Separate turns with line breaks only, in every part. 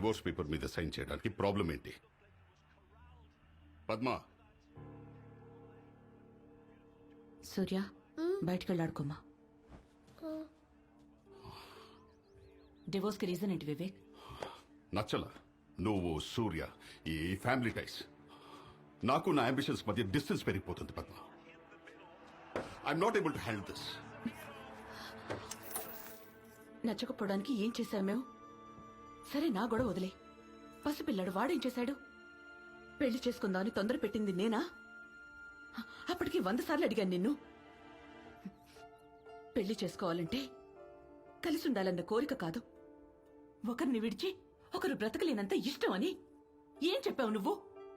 Divorce paper మీద sign చేయడానికి problem ఏంటి? పద్మ,
సూర్య బయటికి వెళ్ళాడుకోమా. డివోర్స్ కి రీజన్ ఏంటి వివేక్?
నచ్చల నువ్వు సూర్య ఈ ఫ్యామిలీ టైస్. నాకు నా అంబిషన్స్ మధ్య డిస్టెన్స్ పెరిగిపోతుంది Padma. I'm not able to handle this.
నచ్చకపోవడానికి ఏం చేశావు మేము? సరే నా గొడవ వదిలే. పసిపిల్లాడు వాడేం చేశాడు? పెళ్లి చేసుకుందామని తొందర పెట్టింది నేనా? అప్పటికి 100 సార్లు అడిగాను నిన్ను. పెళ్లి చేసుకోవాలంటే కలిసి ఉండాలన్న కోరిక కాదు, ఒకరిని విడిచి ఒకరు బ్రతకలేనంత ఇష్టం అని ఏం చెప్పావు నువ్వు?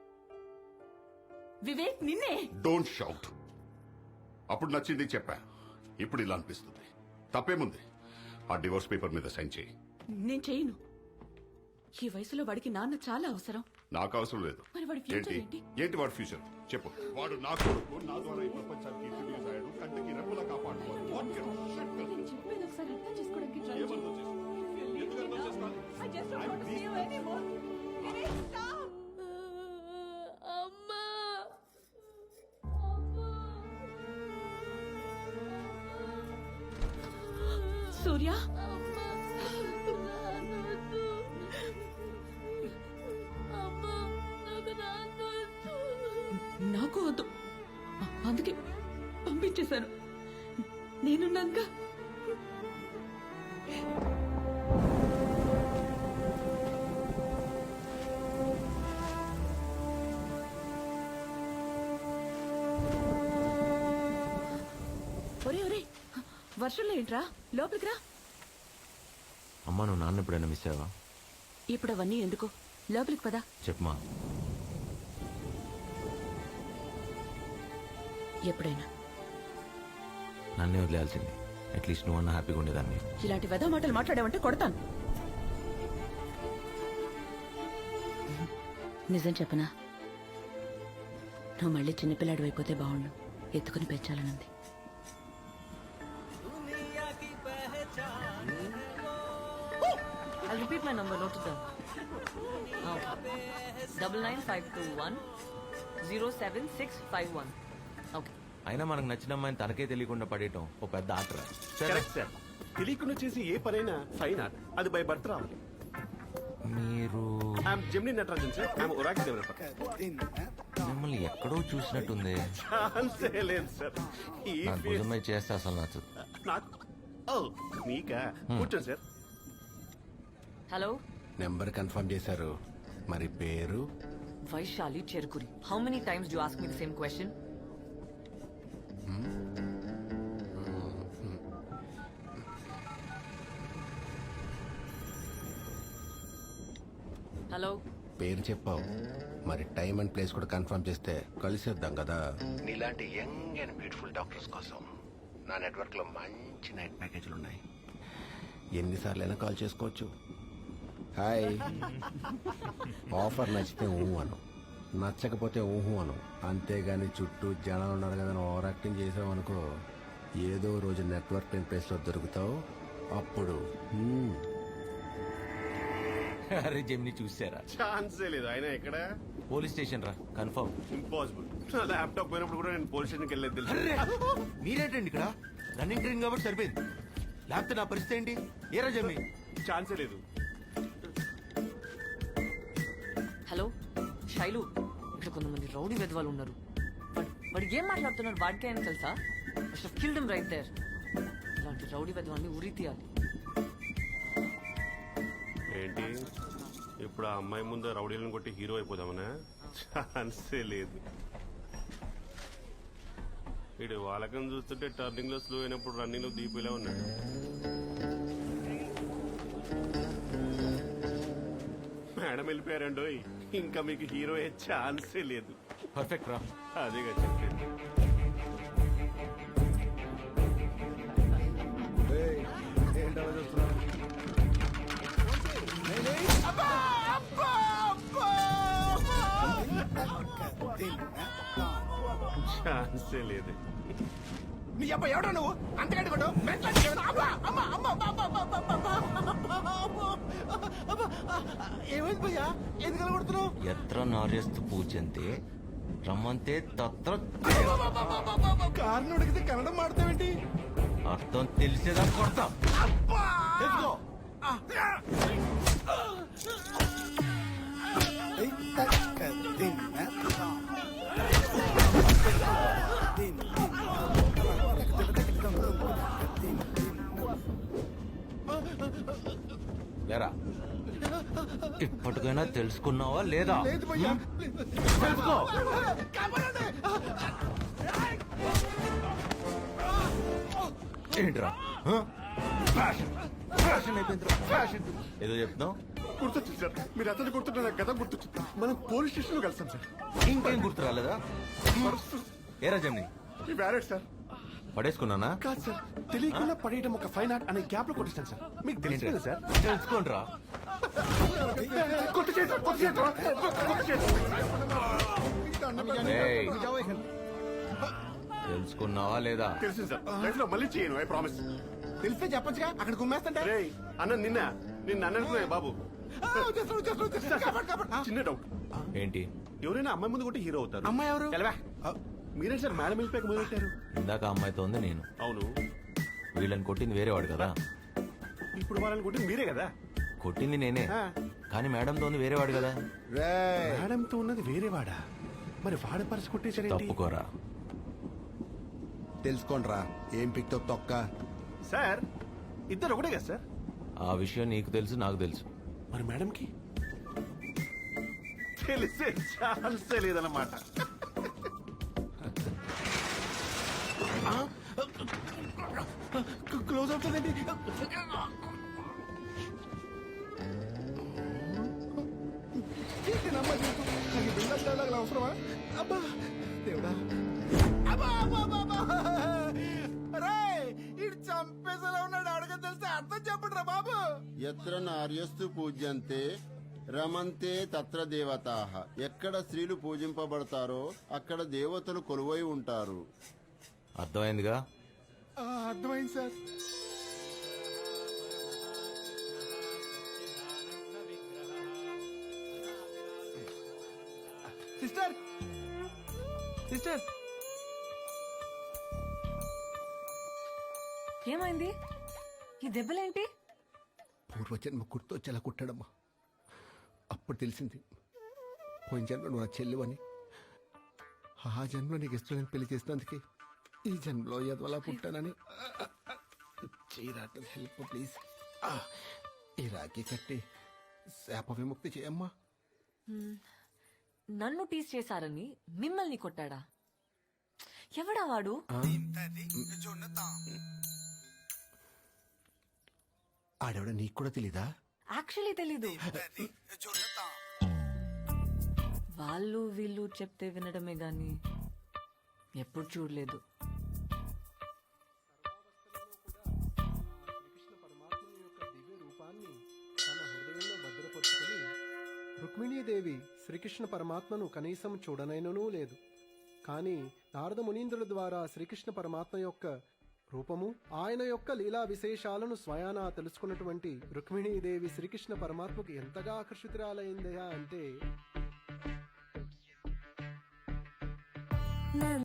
వివేక్ నిన్నే.
Don't shout. అప్పుడు నచ్చింది చెప్పా, ఇప్పుడు ఇలా అనిపిస్తుంది. తప్పేముంది? ఆ డివోర్స్ పేపర్ మీద సైన్ చేయి.
నేను చేయను. ఈ వయసులో వాడికి నాన్న చాలా అవసరం.
నాకు అవసరం లేదు.
మరి వాడి ఫ్యూచర్
ఏంటి
ఏంటి?
ఏంటి వాడి ఫ్యూచర్ చెప్పు. వాడు నా కొడుకు, నా ద్వారా ఈ ప్రపంచానికి ఇంట్రడ్యూస్ అయ్యాడు. కంటికి రెప్పలా కాపాడుకోవాలి. What kind of shit does
నేను
this?
చెప్పేది ఒకసారి అర్థం చేసుకోవడానికి try చేయి.
ఏమర్థం చేసుకోవాలి? ఎందుకు అర్థం చేసుకోవాలి?
I just don't want to see you anymore. Viవేక్, stop. అమ్మా. సూర్య, నాకు వద్దు, అందుకే పంపించేశాను. నేనున్నాక ఒరే ఒరే, వర్షంలో ఏంట్రా? లోపలికి రా.
అమ్మా, నువ్వు నాన్న ఎప్పుడైనా మిస్ అయ్యావా?
ఇప్పుడు అవన్నీ ఎందుకు, లోపలికి పదా.
చెప్పమా.
ఎప్పుడైనా
నన్నే వదిలేయాల్సింది. అట్లీస్ట్ నువ్వు అన్న హ్యాపీగా ఉండేదాన్ని.
ఇలాంటి వెధవ మాటలు మాట్లాడావంటే కొడతాను. నిజం చెప్పనా, నువ్వు మళ్ళీ చిన్నపిల్లాడు అయిపోతే బాగుండు. ఎత్తుకుని పెంచాలనుంది.
I'll repeat my number, note it down. Okay. 99521 07651. Okay.
అయినా మనకు నచ్చిన అమ్మాయిని తనకే తెలియకుండా పడేయటం ఓ పెద్ద ఆటరా.
Correct sir. తెలియకుండా చేసి ఏ పనైనా ఫైన్ ఆర్ట్, అది బై బర్త్ రావాలి.
మీరు
I'm Gemini Natarajan sir. I'm Oracle developer.
మిమ్మల్ని ఎక్కడో చూసినట్టుంది.
ఛాన్సే లేదు సార్. ఈ
నా భుజమై చేస్తే అసలు నచ్చదు.
నాకు ఓ మీకా కూర్చోండి సార్.
Hello?
నెంబర్ కన్ఫర్మ్ చేశారు, మరి పేరు?
Vaishali Cherukuri. How many times do you ask me the same question? Hello?
పేరు చెప్పావు, మరి టైం అండ్ ప్లేస్ కూడా కన్ఫర్మ్ చేస్తే కలిసేద్దాం కదా. నీలాంటి యంగ్ అండ్ బ్యూటిఫుల్ డాక్టర్స్ కోసం నా నెట్వర్క్ లో మంచి నైట్ ప్యాకేజీలు ఉన్నాయి. ఎన్నిసార్లు అయినా కాల్ చేసుకోవచ్చు. హాయ్. ఆఫర్ నచ్చితే ఊహు అను, నచ్చకపోతే ఊహు అను. అంతేగాని చుట్టూ జనాలు ఉన్నారు కదా ఓవర్ యాక్టింగ్ చేసావు అనుకో, ఏదో రోజు నెట్వర్క్ లేని ప్లేస్ లో దొరుకుతావు. అప్పుడు
అరే జెమిని చూసారా?
ఛాన్సే లేదు. ఆయన ఎక్కడ?
పోలీస్ స్టేషన్ రా, కన్ఫర్మ్.
ఇంపాసిబుల్. నా ల్యాప్టాప్ పోయినప్పుడు కూడా నేను పోలీస్ స్టేషన్కి వెళ్ళేది తెలుసు.
మీరేంటండి ఇక్కడ? రన్నింగ్ ట్రైన్ కాబట్టి సరిపోయింది. లేకపోతే నా పరిస్థితి ఏంటి? ఏరా జెమిని?
ఛాన్సే లేదు.
హలో శైలు, ఇక్కడ కొంతమంది రౌడీ వెధవాలు ఉన్నారు. వాడు ఏం మాట్లాడుతున్నారు వాడికే అని తెలుసా? Killed him right there. ఇలాంటి రౌడీ వెధవాన్ని ఉరి తీయాలి.
ఏంటి ఇప్పుడు ఆ అమ్మాయి ముందు రౌడీలను కొట్టి హీరో అయిపోదామనా? ఛాన్సే లేదు. వీడు వాళ్ళకని చూస్తుంటే టర్నింగ్ లో స్లో అయినప్పుడు రన్నింగ్ లో దీపిలా ఉన్నాడు. మేడం వెళ్ళిపోయారండోయ్, ఇంకా మీకు హీరో అయ్యే ఛాన్సే లేదు.
పర్ఫెక్ట్ రా.
అదేగా చెప్పేది. ఛాన్సే లేదు.
నీ అబ్బా ఎవడో నువ్వు అంతకంటే కొట్టు ఏమైంది భయ్యా ఎందుకలా కొడుతున్నావు
ఎత్ర నార్యస్తు పూజంతే రమ్మంతే తత్ర
కారుని ఉడికితే కన్నడం మాడతావేంటి
అర్థం తెలిసేదా కొడతా
తెలుసుకో
లేరా ఇప్పటికైనా తెలుసుకున్నావా లేదా
లేదు భయ్యా
తెలుసుకో ఏంట్రా ఫ్యాషన్ అయిపోయిందిరా ఫ్యాషన్ ఏదో చెప్తున్నావు
గుర్తొచ్చింది సార్ మీరు అతను గుర్తుంటే నాకు గత గుర్తొచ్చింది మనం పోలీస్ స్టేషన్ లో కలిసాం సార్
ఇంకేం గుర్తు రాలేదా ఏరా జమ్ని
ఈ వ్యాలెట్ సార్
పడేసుకున్నానా
కాదు సార్ తెలియకుండా పడేయడం ఒక ఫైన్ ఆర్ట్ అనే గ్యాప్ లో కొట్టిస్తాను సార్ మీకు తెలిసింది సార్
తెలుసుకోండిరా
కొత్త చేద్దాం, కొత్త చేద్దాం, కొత్త చేద్దాం.
ఏయ్, తెలుసుకున్నావా లేదా
తెలిసింది సార్ లైఫ్ లో మళ్ళీ చేయను ఐ ప్రామిస్.
తెలిస్తే చెప్పొచ్చుగా అక్కడ కుమ్మేస్తుంటే
రే అన్న నిన్న అనుకున్నా బాబు చిన్న డౌట్
ఏంటి
ఎవరైనా అమ్మాయి ముందు కొట్టి హీరో అవుతారు
అమ్మాయి ఎవరు
మీరే సార్ మేడం వెళ్ళిపోయాక మొదలు పెట్టారు
ఇందాక అమ్మాయితో ఉంది నేను
అవును
వీళ్ళని కొట్టింది వేరేవాడు కదా
ఇప్పుడు వాళ్ళని కొట్టి మీరే కదా
కొట్టింది నేనే కానీ మేడంతో ఉంది వేరేవాడు కదా
మేడంతో ఉన్నది వేరే వాడా మరి వాడ పరిచి కొట్టేశారేంటి
తప్పుకోరా
తెలుసుకోండిరా ఏం పిక్తో తొక్క
సార్ ఇద్దరు ఒకటే కదా సార్
ఆ విషయం నీకు తెలుసు నాకు తెలుసు
మరి మేడంకి తెలిసే ఛాన్సే లేదన్నమాట
క్లోజ్ అవుతుందండి అవసరమా అబ్బా దేవుడా అబ్బా అబ్బా అబ్బా రే ఇటు చంపేసేలా ఉన్నాడు అడగ తెలిస్తే అర్థం చెప్పండి రా బాబు
ఎత్ర నార్యస్తు పూజ్యంతే రమంతే తత్ర దేవతాః ఎక్కడ స్త్రీలు పూజింపబడతారో అక్కడ దేవతలు కొలువై ఉంటారు.
అర్థమైందిగా
అర్థమైంది సార్ సిస్టర్ సిస్టర్
ఏమైంది ఈ దెబ్బలేంటి
పూర్వజన్మ గుర్తొచ్చేలా కుట్టాడమ్మా అప్పుడు తెలిసింది పోయిన జన్మ నువ్వు నా చెల్లివని ఆ జన్మలో నీకు ఇష్టం పెళ్లి చేసినందుకే ఈ జన్మలో ఎదవలా పుట్టానని చేయరాటం హెల్ప్ ప్లీజ్ ఈ రాఖీ కట్టి శాప విముక్తి చేయమ్మా
నన్ను టీస్ చేశారని మిమ్మల్ని కొట్టాడా ఎవడా వాడు
ఆడవిడ నీకు కూడా తెలీదా
యాక్చువల్లీ తెలీదు వాళ్ళు వీళ్ళు చెప్తే వినడమే గాని ఎప్పుడు చూడలేదు
రుక్మిణీదేవి శ్రీకృష్ణ పరమాత్మను కనీసం చూడనైననూ లేదు. కానీ నారద మునీంద్రుల ద్వారా శ్రీకృష్ణ పరమాత్మ యొక్క రూపము ఆయన యొక్క లీలా విశేషాలను స్వయానా తెలుసుకున్నటువంటి రుక్మిణీదేవి శ్రీకృష్ణ పరమాత్మకు ఎంతగా ఆకర్షితురాలైందయా అంటే